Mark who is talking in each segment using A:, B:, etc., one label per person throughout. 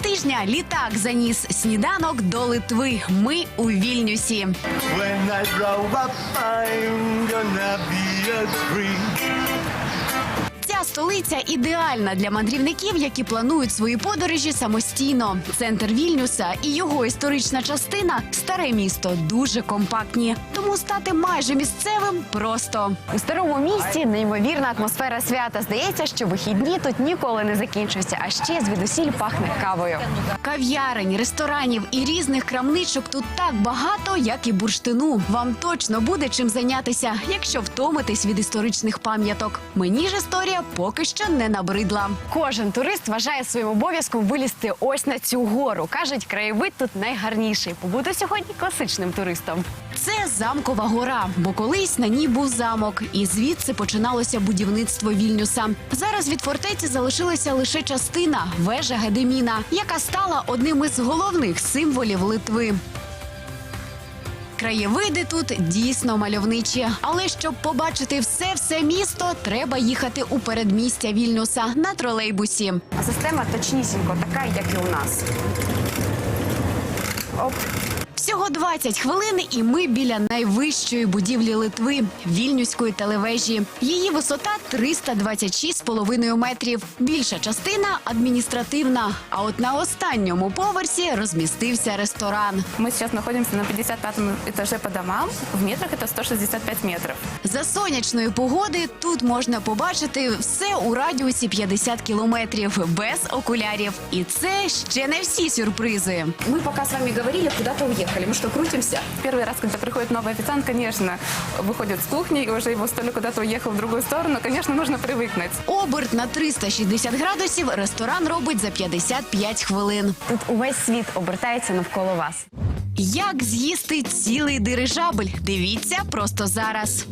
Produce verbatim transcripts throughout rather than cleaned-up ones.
A: тижня літак заніс сніданок до Литви. Ми у Вільнюсі.
B: When I grow up, I'm gonna be a tree.
A: Ця столиця ідеальна для мандрівників, які планують свої подорожі самостійно. Центр Вільнюса і його історична частина – старе місто, дуже компактні. Тому стати майже місцевим просто. У старому місті неймовірна атмосфера свята. Здається, що вихідні тут ніколи не закінчуються, а ще звідусіль пахне кавою. Кав'ярень, ресторанів і різних крамничок тут так багато, як і бурштину. Вам точно буде чим зайнятися, якщо втомитесь від історичних пам'яток. Мені ж історія поки що не набридла. Кожен турист вважає своїм обов'язком вилізти ось на цю гору. Кажуть, краєвид тут найгарніший. Побути сьогодні класичним туристом. Це Замкова гора, бо колись на ній був замок. І звідси починалося будівництво Вільнюса. Зараз від фортеці залишилася лише частина – вежа Гедеміна, яка стала одним із головних символів Литви. Краєвиди тут дійсно мальовничі. Але щоб побачити все-все місто, треба їхати у передмістя Вільнюса на тролейбусі. А система точнісінько така, як і у нас. Оп. Всього двадцять хвилин, і ми біля найвищої будівлі Литви – Вільнюської телевежі. Її висота триста двадцять шість з половиною метрів. Більша частина – адміністративна. А от на останньому поверсі розмістився ресторан.
C: Мы сейчас находимся на пятьдесят пятом этаже по домам. В метрах это сто шестьдесят пять метров.
A: За сонячної погоди тут можна побачити все у радіусі п'ятдесят кілометрів, без окулярів. І це ще не всі сюрпризи. Ми поки з вами говорили, куди-то уїхали. Мы что, крутимся?
C: Первый раз, когда приходит новый официант, конечно, выходит с кухни, и уже его столик куда-то уехал в другую сторону. Конечно, нужно привыкнуть.
A: Оберт на триста шістдесят градусів ресторан робить за п'ятдесят п'ять хвилин. Тут увесь світ обертається навколо вас. Як з'їсти цілий дирижабль? Дивіться просто зараз.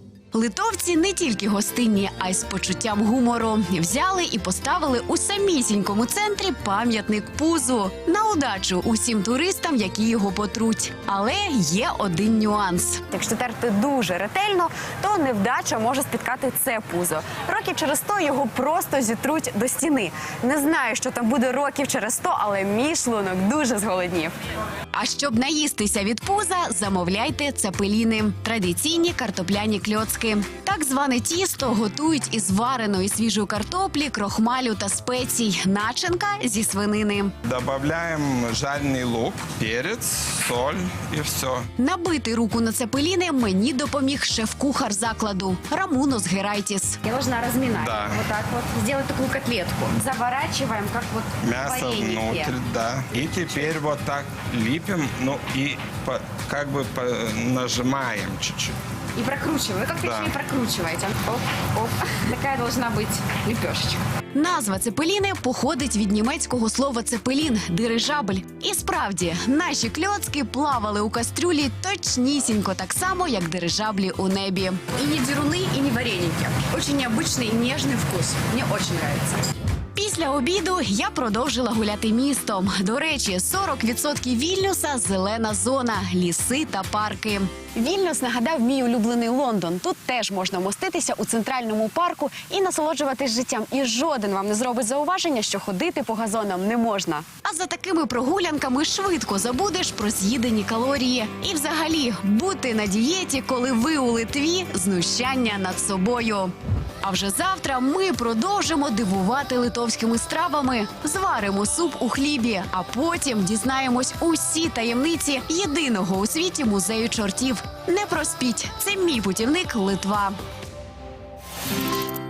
A: Литовці не тільки гостинні, а й з почуттям гумору. Взяли і поставили у самісінькому центрі пам'ятник пузу. На удачу усім туристам, які його потруть. Але є один нюанс. Якщо терти дуже ретельно, то невдача може спіткати це пузо. Років через сто його просто зітруть до стіни. Не знаю, що там буде років через сто, але мій шлунок дуже зголоднів. А щоб наїстися від пуза, замовляйте цепеліни – традиційні картопляні кльоцки. Так зване тісто готують із вареної свіжої картоплі, крохмалю та спецій. Начинка зі свинини.
D: Добавляем жареный лук, перец, соль и все.
A: Набити руку на цепеліни мені допоміг шеф-кухар закладу Рамунос Герайтіс.
E: Я должна разминать.
D: Да.
E: Вот так вот. Сделать такую котлетку. Заворачиваем, как вот
D: Мясо
E: вареники.
D: внутрь, да. И теперь вот так лепим, ну и по, как бы по, нажимаем чуть-чуть.
E: И прокручиваем. Вы как
D: Да.
E: точнее прокручиваете. Оп, оп. Такая должна быть лепешечка.
A: Назва цепеліни походить від німецького слова «цепелін» – дирижабль. І справді, наші кльоцки плавали у кастрюлі точнісінько так само, як дирижаблі у небі.
E: И не деруны, и не вареники. Очень необычный и нежный вкус. Мне очень нравится.
A: Після обіду я продовжила гуляти містом. До речі, сорок відсотків Вільнюса – зелена зона, ліси та парки. Вільнюс нагадав мій улюблений Лондон. Тут теж можна моститися у центральному парку і насолоджуватись життям. І жоден вам не зробить зауваження, що ходити по газонам не можна. А за такими прогулянками швидко забудеш про з'їдені калорії. І взагалі, бути на дієті, коли ви у Литві – знущання над собою. А вже завтра ми продовжимо дивувати литовськими стравами. Зваримо суп у хлібі, а потім дізнаємось усі таємниці єдиного у світі музею чортів. Не проспіть, це мій путівник Литва.